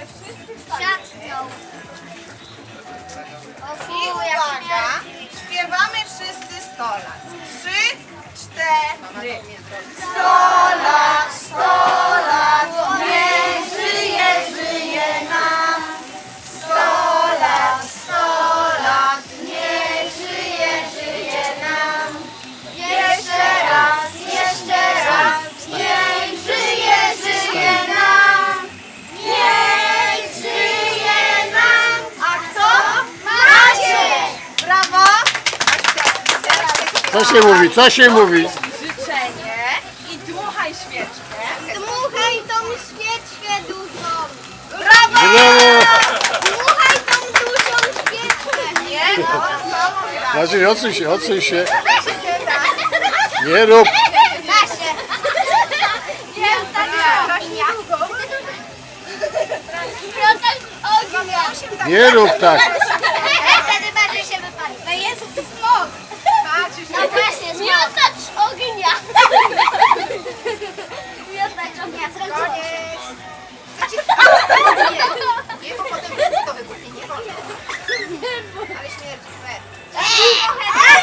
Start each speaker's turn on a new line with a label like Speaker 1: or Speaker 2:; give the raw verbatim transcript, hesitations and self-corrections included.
Speaker 1: wszyscy wstańcie.
Speaker 2: Siatką.
Speaker 1: I uwaga, śpiewamy wszyscy sto lat. Trzy, cztery. Sto lat, sto lat, niech żyje, żyje nam. Sto lat, sto lat, niech żyje, żyje nam. Jeszcze raz, jeszcze raz, niech żyje, żyje nam. Niech żyje nam. A kto? Maciek! Brawo!
Speaker 3: Co się mówi? Co się mówi?
Speaker 1: Życzenie i dmuchaj świeczkę.
Speaker 2: Dmuchaj tą świeczkę dużą.
Speaker 1: Brawo!
Speaker 3: Brawo!
Speaker 2: Dmuchaj tą dużą świeczkę.
Speaker 1: Nie, no, samo gra.
Speaker 3: Znaczy, odsuń się, odsuń się. Nie rób.
Speaker 2: Da się. Nie, tak ognia. Piątek ognia.
Speaker 3: Nie rób tak.
Speaker 2: Wtedy bardziej się wypali. To jest smok. No właśnie, miotacz ognia. Miotacz ognia.
Speaker 1: Koniec. Nie, nie, bo potem to wybuchnie, nie wolno. Ale śmierdzi,